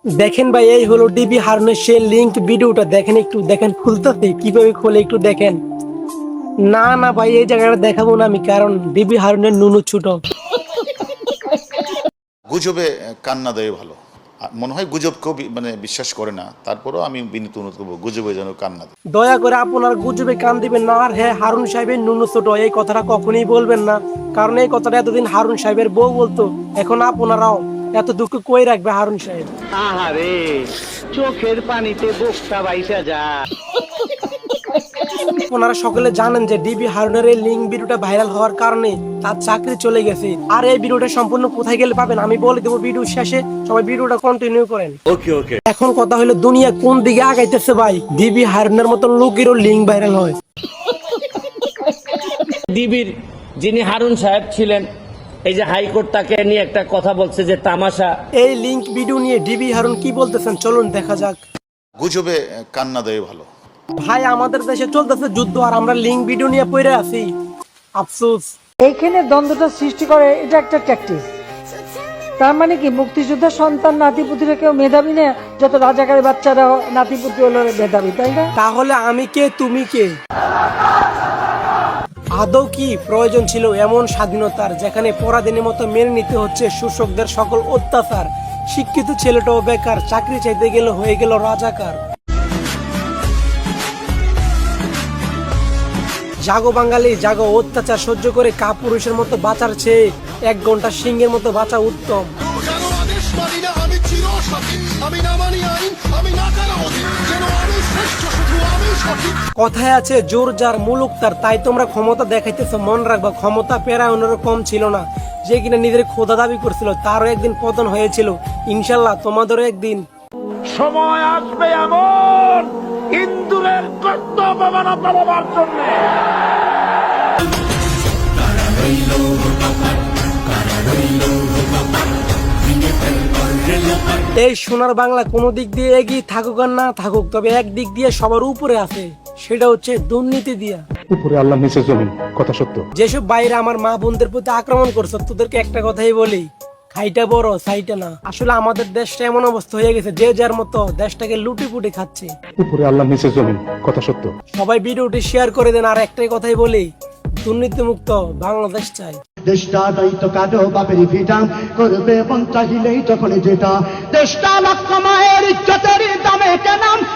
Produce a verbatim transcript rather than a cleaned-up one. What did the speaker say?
দেখেন ভাই, এই হলো ডিবি হারুনের সেই লিংক ভিডিওটা। দেখেন, একটু দেখেন, খুলতেছে কিভাবে খোলে একটু দেখেন। না না ভাই, এই জায়গাটা দেখাবো না আমি, কারণ ডিবি হারুনের নুনু ছোট। গুজবে কান্না দেয় ভালো। মনে হয় গুজব কেউ মানে বিশ্বাস করে না, তারপরেও আমি বিনীত অনুরোধ করবো গুজবে যেন কান্না দেয়। দয়া করে আপনার গুজবে কান দিবেন না। আর হ্যাঁ, হারুন সাহেবের নুনু ছোট এই কথাটা কখনোই বলবেন না, কারণ এই কথাটা এতদিন হারুন সাহেবের বউ বলতো, এখন আপনারাও এত দুঃখ কই রাখবে হারুন সাহেব। আহারে, চোখের পানিতে বোকটা বাইসা যা। আপনারা সকলে জানেন যে ডিবি হারুনের এই লিঙ্ক ভিডিওটা ভাইরাল হওয়ার কারণে তার চাকরি চলে গেছে। আর এই ভিডিওটা সম্পূর্ণ কোথায় গেলে পাবেন আমি বলে দেবো ভিডিও শেষে, সবাই ভিডিওটা কন্টিনিউ করেন। ওকে ওকে। এখন কথা হলো দুনিয়া কোন দিকে আগাইতেছে ভাই, ডিবি হারুনের মতো লোকেরও লিঙ্ক ভাইরাল হয়। ডিবির যিনি হারুন সাহেব ছিলেন, এই যে হাইকোর্ট তাকে নিয়ে একটা কথা বলছে যে তামাশা। এই লিঙ্ক ভিডিও নিয়ে ডিবি হারুন কি বলতেছেন চলুন দেখা যাক। গুজবে কান্না দেয় ভালো। ভাই, আমাদের দেশে চলতেছে যুদ্ধ আর আমরা লিঙ্ক ভিডিও নিয়ে পড়ে আছি, আফসোস। এইখানে দ্বন্দ্বটা সৃষ্টি করে, এটা একটা ট্যাকটিস। তার মানে কি মুক্তিযোদ্ধার সন্তান নাতিপুতিরা কেউ মেধাবী না, যত রাজাকারের বাচ্চারা নাতিপুতি হলো মেধাবী, তাই না? তাহলে আমি কে তুমি কে? আদৌ কি প্রয়োজন ছিল এমন স্বাধীনতার, যেখানে পরাধীনের মতো মেনে নিতে হচ্ছে শোষকদের সকল অত্যাচার? শিক্ষিত ছেলেটাও বেকার, চাকরি চাইতে গেলে হয়ে গেল রাজাকার। জাগো বাঙালি জাগো, অত্যাচার সহ্য করে কাপুরুষের মতো বাঁচার চেয়ে এক ঘন্টা সিংহের মতো বাঁচা উত্তম। কথায় আছে জোর যার মুলুক তার, তাই তোমরা ক্ষমতা দেখাইতেছো, মন রাখবা ক্ষমতা পেরায়নেরও কম ছিল না। যে কিনা নিজের খোদা দাবি করছিল তারও একদিন পতন হয়েছিল, ইনশাল্লাহ তোমাদেরও একদিন সময় আসবে এমন ইন্দুরের কর্তব্য পাবার জন্য। এই সোনার বাংলা কোনো দিক দিয়ে এগিয়ে থাকুক আর না থাকুক, তবে এক দিক দিয়ে সবার উপরে আছে, সেটা হচ্ছে দুর্নীতি দিয়া। উপরে আল্লাহ নিচে জমিন, কথা সত্য। যেসব বাইরে আমার মা বোনদের প্রতি আক্রমণ করছো, তোদেরকে একটা কথাই বলি, খাইটা বড় সাইটা না। আসলে আমাদের দেশটা এমন অবস্থা হয়ে গেছে, যে যার মতো দেশটাকে লুটি পুটি খাচ্ছে। উপরে আল্লাহ নিচে জমিন, কথা সত্য। সবাই ভিডিওটি শেয়ার করে দেন। আর একটাই কথাই বলি, দুর্নীতি মুক্ত বাংলাদেশ চাই। দেশটা দায়িত্ব কাটো বাপের ভিটা করবে মন চাহিলেই তখন যেটা দেশটা লক্ষ মায়ের ইজ্জতের দামে কেনাম।